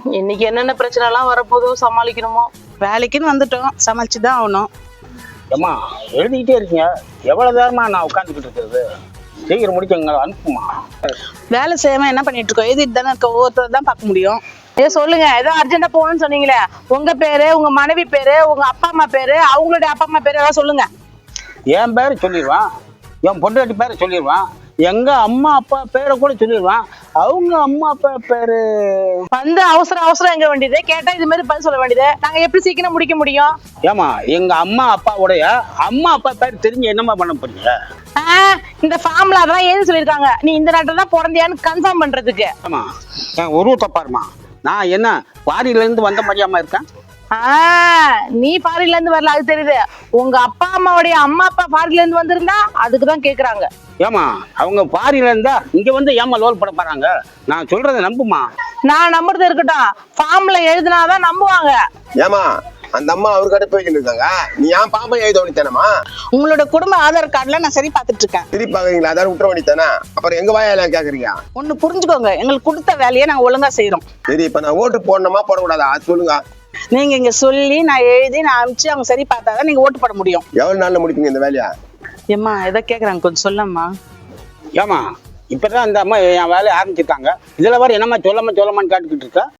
இன்னைக்கு என்னென்ன பிரச்சனை எல்லாம் வரப்போதோ சமாளிக்கணுமோ. வேலைக்குன்னு வந்துட்டோம், சமாளிச்சுதான் ஆகணும். ஏம்மா எழுதிக்கிட்டே இருக்கீங்க, எவ்வளவு நேரமா நான் உட்காந்துக்கிட்டு இருக்கிறது? சீக்கிரம் முடிச்சுங்க, அனுப்புமா. வேலை செய்யாம என்ன பண்ணிட்டு இருக்கோம்? எழுதிட்டு தானே இருக்க, ஒவ்வொருத்தர் தான் பார்க்க முடியும். சொல்லுங்க, ஏதோ அர்ஜென்டா போகணும்னு சொன்னீங்களே, உங்க பேரு, உங்க மனைவி பேரு, உங்க அப்பா அம்மா பேரு, அவங்களுடைய அப்பா அம்மா பேரு ஏதாவது சொல்லுங்க. என் பேரை சொல்லிடுவான், என் பொண்டாட்டி பேரை சொல்லிடுவான், எங்க அம்மா அப்பா பேரை கூட சொல்லிடுவான். அவங்க அம்மா அப்பா பேரு வந்து அவசரம் எங்க வேண்டியது கேட்டா இது மாதிரி பதில் சொல்ல வேண்டியது. நாங்க எப்படி சீக்கிரம் முடிக்க முடியும்? ஏமா எங்க அம்மா அப்பாவுடைய அம்மா அப்பா பேர் தெரிஞ்சு என்னம்மா பண்ண போறீங்க? இந்த ஃபார்ம்ல அதெல்லாம் ஏன்னு சொல்லியிருக்காங்க, நீ இந்த நாட்டில் தான் பிறந்தியான்னு கன்ஃபார்ம் பண்றதுக்கு. ஆமா, என் உருவத்தை பாருமா, நான் என்ன பாரியில இருந்து வந்த மாதிரியாமா இருக்கேன்? நீ ஃபாரின்ல இருந்து வரல, அது தெரியுது. உங்க அப்பா அம்மாவுடைய அம்மா அப்பா ஃபாரின்ல இருந்து வந்திருந்தா அதுக்குதான் கேக்குறாங்க. ஏமா அவங்க பாரியில இருந்தா இங்க வந்து ஏமா லோல் போட போறாங்க? நான் சொல்றதை நம்புமா. நான் நம்புறது இருக்கட்டும், ஃபார்ம்ல எழுதினாதான் நம்புவாங்க. ஏமா அந்த அம்மா அவரு கடை போய்கிட்டு இருக்காங்க, நீ ஏன் பாப்பா எழுத வேண்டித்தானமா? உங்களோட குடும்ப ஆதார் கார்டுல நான் சரி பார்த்துட்டு இருக்கேன். சரி பாக்குறீங்களா? அதாவது விட்டுற வேண்டித்தானே, அப்புறம் எங்க வாயெல்லாம் கேக்குறீங்க? ஒண்ணு புரிஞ்சுக்கோங்க, எங்களுக்கு கொடுத்த வேலையை நாங்க ஒழுங்கா செய்யறோம். சரி, இப்ப நான் ஓட்டு போடணுமா போடக்கூடாதா அது சொல்லுங்க. நீங்க இங்க சொல்லி நான் எழுதி நான் அனுப்பிச்சு அவங்க சரி பார்த்தாதான் நீங்க ஓட்டு போட முடியும். எவ்வளவு நாள்ல முடிப்பீங்க இந்த வேலையா? ஏம்மா எதை கேக்குறாங்க கொஞ்சம் சொல்லம்மா. ஏமா இப்பதான் அந்த அம்மா என் வேலையை ஆரம்பிச்சிருக்காங்க, இதுல வர என்னம்மா சொல்லமான்னு கேட்டுக்கிட்டு இருக்கா?